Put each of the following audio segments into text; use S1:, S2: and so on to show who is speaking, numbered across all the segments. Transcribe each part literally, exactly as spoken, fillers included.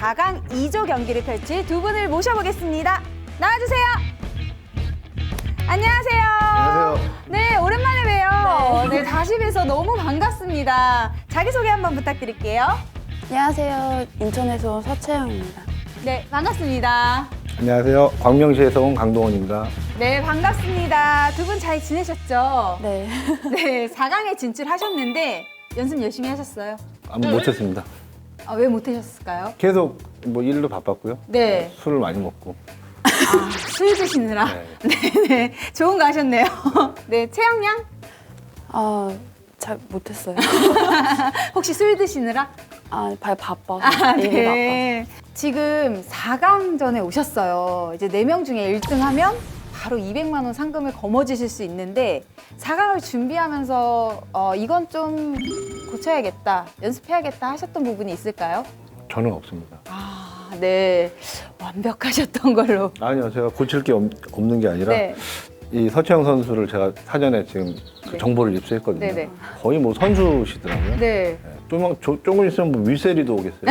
S1: 사 강 이 조 경기를 펼칠 두 분을 모셔보겠습니다. 나와주세요. 안녕하세요.
S2: 안녕하세요.
S1: 네, 오랜만에 봬요. 네, 다시 뵈서 너무 반갑습니다. 자기소개 한번 부탁드릴게요.
S3: 안녕하세요. 인천에서 온 서채영입니다.
S1: 네, 반갑습니다.
S2: 안녕하세요. 광명시에서 온 강동원입니다.
S1: 네, 반갑습니다. 두 분 잘 지내셨죠?
S3: 네.
S1: 네, 사 강에 진출하셨는데 연습 열심히 하셨어요?
S2: 아무 못했습니다.
S1: 아, 왜 못하셨을까요?
S2: 계속 뭐 일로 바빴고요.
S1: 네.
S2: 술을 많이 먹고.
S1: 아, 술 드시느라.
S2: 네.
S1: 네, 네. 좋은 거 하셨네요. 네, 채영 양?
S3: 아, 잘 못했어요.
S1: 혹시 술 드시느라?
S3: 아, 발 바빠서.
S1: 아,
S3: 일이 바빠서.
S1: 네. 지금 사 강전에 오셨어요. 이제 네 명 중에 일 등 하면 바로 이백만 원 상금을 거머쥐실 수 있는데 사 강을 준비하면서 어, 이건 좀 고쳐야겠다, 연습해야겠다 하셨던 부분이 있을까요?
S2: 저는 없습니다.
S1: 아, 네. 완벽하셨던 걸로.
S2: 아니요, 제가 고칠 게 없, 없는 게 아니라
S1: 네.
S2: 이 서채영 선수를 제가 사전에 지금 그
S1: 네.
S2: 정보를 입수했거든요.
S1: 네네.
S2: 거의 뭐 선수시더라고요.
S1: 네.
S2: 네. 조금, 조, 조금 있으면 뭐 윗세리도 오겠어요.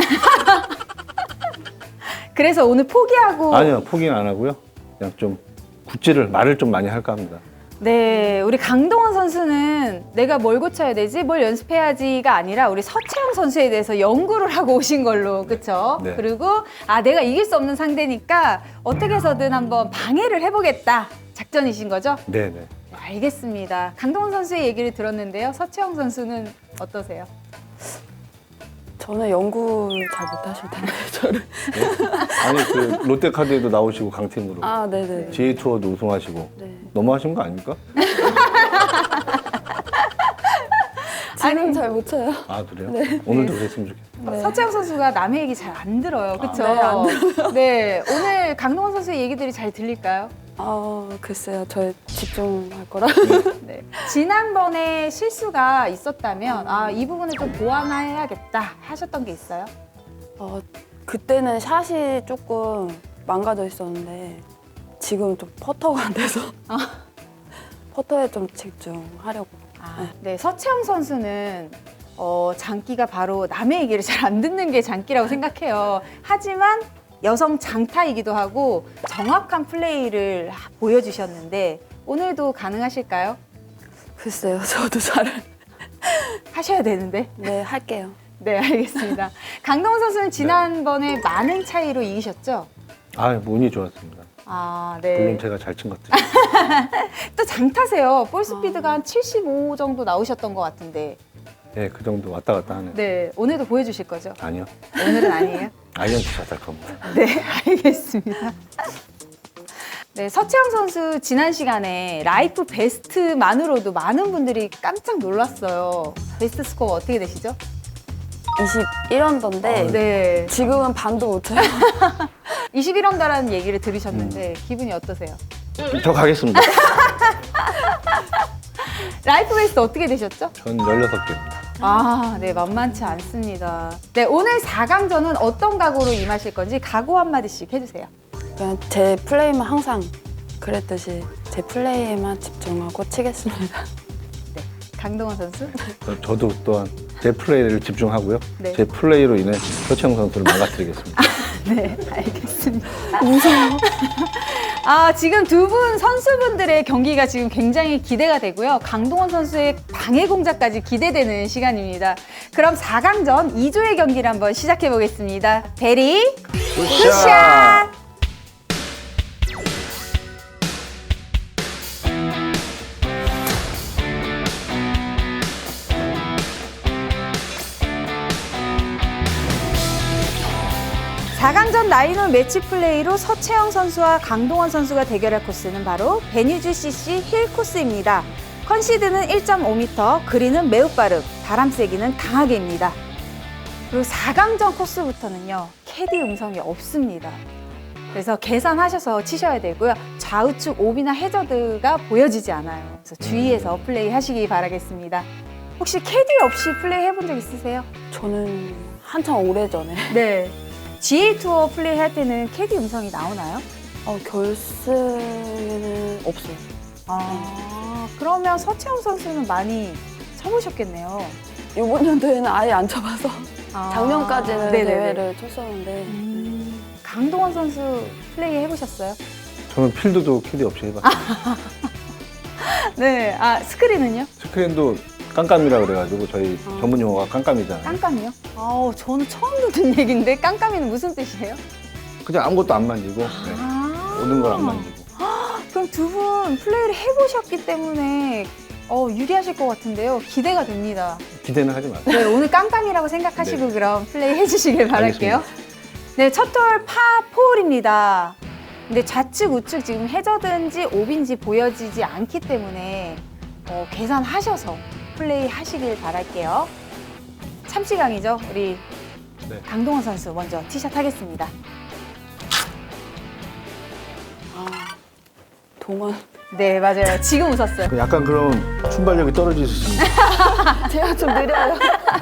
S1: 그래서 오늘 포기하고.
S2: 아니요, 포기는 안 하고요. 그냥 좀 굿질을, 말을 좀 많이 할까 합니다.
S1: 네, 우리 강동원 선수는 내가 뭘 고쳐야 되지, 뭘 연습해야지가 아니라 우리 서채영 선수에 대해서 연구를 하고 오신 걸로, 그렇죠?
S2: 네.
S1: 그리고 아, 내가 이길 수 없는 상대니까 어떻게 해서든 한번 방해를 해보겠다 작전이신 거죠?
S2: 네네.
S1: 네, 알겠습니다. 강동원 선수의 얘기를 들었는데요. 서채영 선수는 어떠세요?
S3: 저는 연구를 잘 못하실 텐데, 저를.
S2: 아니, 그 롯데카드에도 나오시고 강팀으로.
S3: 아, 네네.
S2: 지에이 투어도 우승하시고.
S3: 네.
S2: 너무하신 거 아닙니까?
S3: 지금
S1: 아니,
S3: 잘 못 쳐요.
S2: 아, 그래요? 오늘도 그랬으면 좋겠어요.
S3: 네.
S1: 서채영 선수가 남의 얘기 잘 안 들어요, 그렇죠?
S3: 네, 안 들어요.
S1: 네, 오늘 강동원 선수의 얘기들이 잘 들릴까요?
S3: 아, 글쎄요. 저 집중할 거라.
S1: 네. 지난번에 실수가 있었다면 아, 이 부분을 좀 보완해야겠다 하셨던 게 있어요?
S3: 어, 그때는 샷이 조금 망가져 있었는데, 지금 좀 퍼터가 안 돼서. 퍼터에 좀 집중하려고.
S1: 아, 네, 서채영 선수는 어, 장기가 바로 남의 얘기를 잘 안 듣는 게 장기라고 생각해요. 하지만 여성 장타이기도 하고 정확한 플레이를 하- 보여주셨는데 오늘도 가능하실까요?
S3: 글쎄요. 저도 잘.
S1: 하셔야 되는데.
S3: 네, 할게요.
S1: 네, 알겠습니다. 강동원 선수는 지난번에 많은 차이로 이기셨죠?
S2: 아, 운이 좋았습니다.
S1: 아,
S2: 물론
S1: 네.
S2: 제가 잘 친 것들.
S1: 또 장타세요. 볼 스피드가 한 칠십오 정도 나오셨던 것 같은데.
S2: 네, 그 정도 왔다 갔다 하네요.
S1: 네, 오늘도 보여주실 거죠?
S2: 아니요.
S1: 오늘은 아니에요?
S2: 아이언트 샷할 겁니다.
S1: 네, 알겠습니다. 네, 서채영 선수 지난 시간에 라이프 베스트만으로도 많은 분들이 깜짝 놀랐어요. 베스트 스코어 어떻게 되시죠?
S3: 이십일 언더인데,
S1: 네,
S3: 지금은 반도 못 쳐요.
S1: 이십일 언더라는 얘기를 들으셨는데 기분이 어떠세요?
S2: 저 가겠습니다.
S1: 라이프 베스트 어떻게 되셨죠?
S2: 전 열여섯 개입니다.
S1: 아, 네, 만만치 않습니다. 네, 오늘 사 강전은 어떤 각오로 임하실 건지 각오 한마디씩 해주세요.
S3: 그냥 제 플레이만 항상 그랬듯이 제 플레이에만 집중하고 치겠습니다.
S1: 네, 강동원 선수.
S2: 저, 저도 또한 제 플레이를 집중하고요.
S1: 네.
S2: 제 플레이로 인해 서채영 선수를 망가뜨리겠습니다.
S1: 네, 알겠습니다. 무서워. 아, 지금 두 분 선수분들의 경기가 지금 굉장히 기대가 되고요. 강동원 선수의 방해 공작까지 기대되는 시간입니다. 그럼 사 강전 이 조의 경기를 한번 시작해 보겠습니다. 베리 굿샷! 사 강전 라인홀 매치 플레이로 서채영 선수와 강동원 선수가 대결할 코스는 바로 베뉴주 씨씨 힐 코스입니다. 컨시드는 일 점 오 미터, 그린은 매우 빠름, 바람 세기는 강하게입니다. 그리고 사 강전 코스부터는요, 캐디 음성이 없습니다. 그래서 계산하셔서 치셔야 되고요. 좌우측 오비나 해저드가 보여지지 않아요. 그래서 주의해서 플레이 하시기 바라겠습니다. 혹시 캐디 없이 플레이 해본 적 있으세요?
S3: 저는 한참 오래전에
S1: 네. 지에이 투어 플레이 할 때는 캐디 음성이 나오나요?
S3: 어, 결승에는 없어요.
S1: 아, 그러면 서채영 선수는 많이 쳐보셨겠네요.
S3: 이번 연도에는 아예 안 쳐봐서.
S1: 아.
S3: 작년까지는
S1: 네네네.
S3: 대회를 쳤었는데
S1: 음, 강동원 선수 플레이 해보셨어요?
S2: 저는 필드도 캐디 없이 해봤어요.
S1: 네. 아, 스크린은요?
S2: 스크린도 깜깜이라 그래가지고 저희
S1: 아.
S2: 전문 용어가 깜깜이잖아요.
S1: 깜깜이요? 아우, 저는 처음 듣는 얘기인데 깜깜이는 무슨 뜻이에요?
S2: 그냥 아무것도 안 만지고 네.
S1: 아.
S2: 모든 걸 안 만지고.
S1: 그럼 두 분 플레이를 해보셨기 때문에 어, 유리하실 것 같은데요. 기대가 됩니다.
S2: 기대는 하지 마세요.
S1: 네, 오늘 깜깜이라고 생각하시고
S2: 네.
S1: 그럼 플레이 해주시길 바랄게요.
S2: 알겠습니다.
S1: 네, 첫 홀 파사홀입니다. 근데 좌측 우측 지금 해저든지 옵인지 보여지지 않기 때문에 어, 계산하셔서 플레이 하시길 바랄게요. 참치강이죠. 우리
S2: 네.
S1: 강동원 선수 먼저 티샷 하겠습니다.
S3: 아, 동원
S1: 네, 맞아요. 지금 웃었어요.
S2: 약간 그런 순발력이 떨어지시는.
S3: 제가 좀 느려요.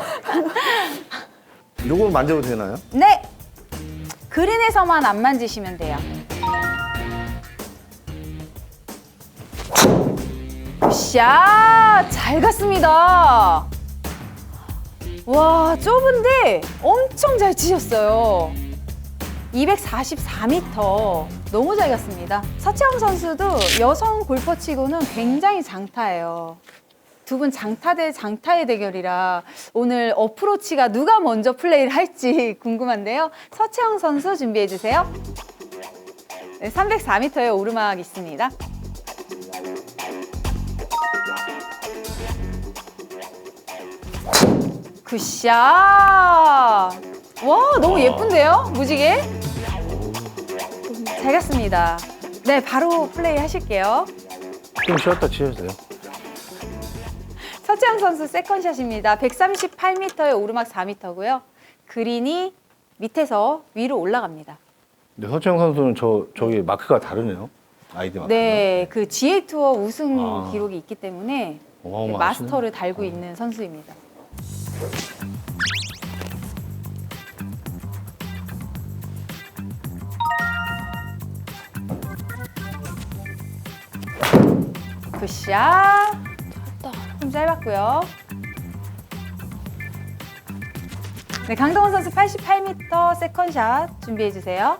S2: 이거 만져도 되나요?
S1: 네! 그린에서만 안 만지시면 돼요. 굿샷! 잘 갔습니다. 와, 좁은데 엄청 잘 치셨어요. 이백사십사 미터. 너무 잘 갔습니다. 서채영 선수도 여성 골퍼 치고는 굉장히 장타예요. 두 분 장타 대 장타의 대결이라 오늘 어프로치가 누가 먼저 플레이를 할지 궁금한데요. 서채영 선수 준비해 주세요. 네, 삼백사 미터의 오르막 있습니다. 굿샷! 와, 너무 예쁜데요? 무지개? 잘 갔습니다. 네, 바로 플레이 하실게요.
S2: 좀 쉬었다 치셔도 돼요.
S1: 서채영 선수 세컨샷입니다. 백삼십팔 미터의 오르막 사 미터고요. 그린이 밑에서 위로 올라갑니다.
S2: 근데 서채영 선수는 저 저기 마크가 다르네요. 아이디 마크가.
S1: 네, 그 지에이 투어 우승
S2: 아.
S1: 기록이 있기 때문에
S2: 어마어마하시네.
S1: 마스터를 달고 있는 선수입니다. 굿샷! 좀 짧았고요. 네, 강동원 선수 팔십팔 미터 세컨샷 준비해 주세요.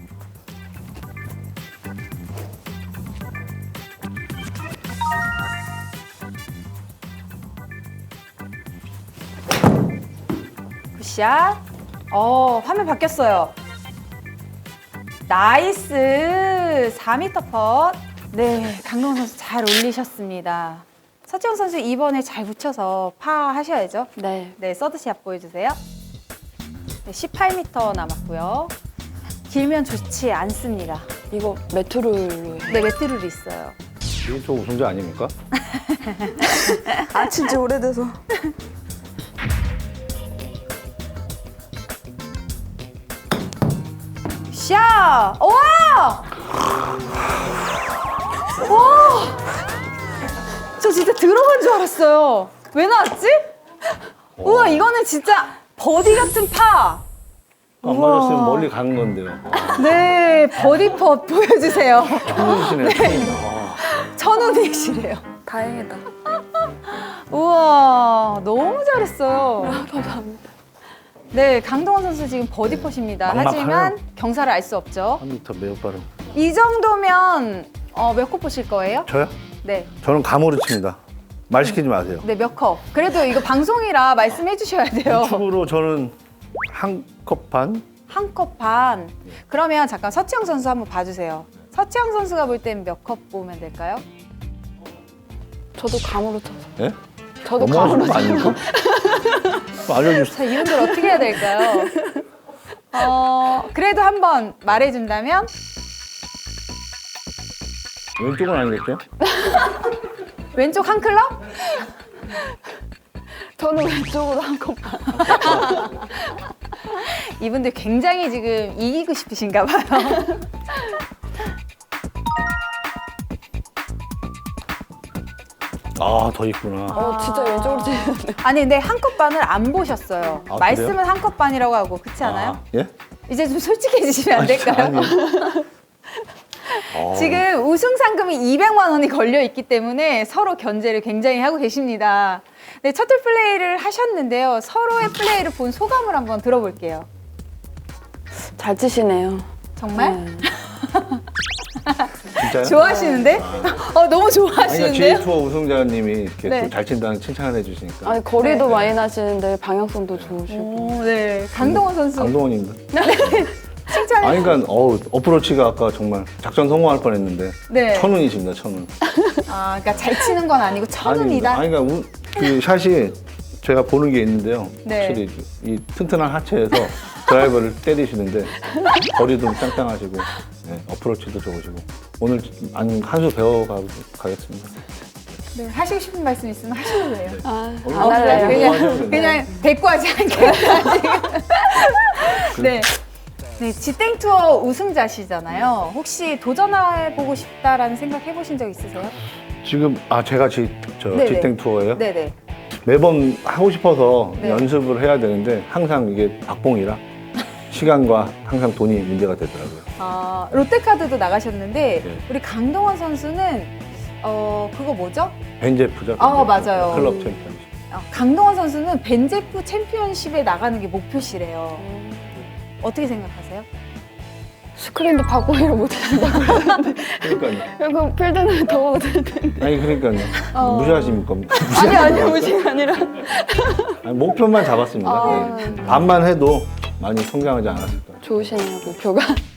S1: 굿샷. 어, 화면 바뀌었어요. 나이스. 사 미터 펫. 네, 강동원 선수 잘 올리셨습니다. 서채영 선수 이번에 잘 붙여서 파 하셔야죠.
S3: 네.
S1: 네, 서드샷 보여주세요. 네, 십팔 미터 남았고요. 길면 좋지 않습니다.
S3: 이거 메트롤로 해요.
S1: 네, 매트룰이 있어요.
S2: 이게 저 우승자 아닙니까?
S3: 아, 진짜 오래돼서.
S1: 샷! 와! 와! 저 진짜 들어간 줄 알았어요. 왜 나왔지? 우와, 이거는 진짜 버디 같은 파.
S2: 안
S1: 우와.
S2: 맞았으면 멀리 가는 건데요.
S1: 네, 버디 펫 보여주세요.
S2: 천운이시네요. 천운. 아.
S1: 천운이시래요.
S3: 다행이다.
S1: 우와, 너무 잘했어요.
S3: 감사합니다.
S1: 네, 강동원 선수 지금 버디 펫입니다.
S2: 막막하네요.
S1: 하지만 경사를 알 수 없죠.
S2: 한 미터 매우 빠른.
S1: 이 정도면 어, 몇 컵 보실 거예요?
S2: 저요?
S1: 네.
S2: 저는 감으로 칩니다. 말 시키지 마세요.
S1: 네, 몇 컵? 그래도 이거 방송이라 말씀해 주셔야 돼요.
S2: 축으로 저는 한 컵 반?
S1: 한 컵 반. 그러면 잠깐 서채영 선수 한번 봐주세요. 서채영 선수가 볼 땐 몇 컵 보면 될까요?
S3: 저도 감으로 쳐서.
S2: 예?
S3: 저도
S2: 너무하신
S3: 감으로
S2: 거
S3: 쳐서.
S2: 아닙니까? 알려주세요.
S1: 자, 이분들 어떻게 해야 될까요? 어, 그래도 한번 말해준다면?
S2: 왼쪽은 아니겠죠?
S1: 왼쪽 한 클럽?
S3: 저는 왼쪽으로 한 컵 반.
S1: 이분들 굉장히 지금 이기고 싶으신가 봐요.
S2: 아, 더 있구나.
S3: 어, 진짜 왼쪽으로 치는데.
S1: 아니, 근데 한 컵 반을 안 보셨어요.
S2: 아,
S1: 말씀은
S2: 그래요?
S1: 한 컵 반이라고 하고, 그렇지 않아요?
S2: 아, 예?
S1: 이제 좀 솔직해지시면 안
S2: 아니,
S1: 될까요?
S2: 아니. 어.
S1: 지금 우승 상금이 이백만 원이 걸려 있기 때문에 서로 견제를 굉장히 하고 계십니다. 네, 첫 홀 플레이를 하셨는데요. 서로의 플레이를 본 소감을 한번 들어볼게요.
S3: 잘 치시네요.
S1: 정말?
S3: 네.
S2: 진짜요?
S1: 좋아하시는데? 어, 너무
S2: 아니, 그러니까
S1: 좋아하시는데요?
S2: 제이투어 우승자님이 이렇게
S1: 네.
S2: 좀 잘 친다는 칭찬을 해주시니까.
S3: 아니 거리도
S1: 네.
S3: 많이 나시는데 방향성도 좋으시고.
S1: 오, 네. 강동원 선수.
S2: 강동원입니다.
S1: 칭찬해.
S2: 아니, 그러니까 어우, 어프로치가 아까 정말 작전 성공할 뻔했는데
S1: 네.
S2: 천운이십니다, 천운.
S1: 아, 그러니까 잘 치는 건 아니고 천운이다.
S2: 아니, 그러니까 우- 그 샷이 제가 보는 게 있는데요.
S1: 네.
S2: 확실히 이 튼튼한 하체에서 드라이버를 때리시는데 거리도 짱짱하시고 네, 어프로치도 좋으시고 오늘 한 수 배워가 가겠습니다.
S1: 네, 하시고 싶은 말씀 있으면 하셔도 돼요.
S3: 아,
S2: 어,
S3: 안 할래요.
S2: 그냥-
S1: 그냥, 그냥 대꾸하지 않겠다, 지금. 네. 네, 지땡 투어 우승자시잖아요. 혹시 도전해보고 싶다라는 생각 해보신 적 있으세요?
S2: 지금 아 제가 지, 저
S1: 네네.
S2: 지땡 투어예요.
S1: 네네.
S2: 매번 하고 싶어서
S1: 네.
S2: 연습을 해야 되는데 항상 이게 박봉이라 시간과 항상 돈이 문제가 되더라고요.
S1: 아, 롯데카드도 나가셨는데,
S2: 네.
S1: 우리 강동원 선수는, 어, 그거 뭐죠?
S2: 벤제프죠.
S1: 아,
S2: 벤제프.
S1: 맞아요.
S2: 클럽 챔피언십.
S1: 어, 강동원 선수는 벤제프 챔피언십에 나가는 게 목표시래요. 어떻게 생각하세요?
S3: 스크린도 박보기를 못하신다.
S2: 그러니까요.
S3: 그리고 필드는 더 못할 텐데.
S2: 아니 그러니까요.
S1: 어.
S2: 무시하십니까?
S3: 아니 아니 무시가 아니라.
S2: 아니, 목표만 잡았습니다.
S3: 아.
S2: 네. 반만 해도 많이 성장하지 않았을까.
S3: 좋으시네요 목표가.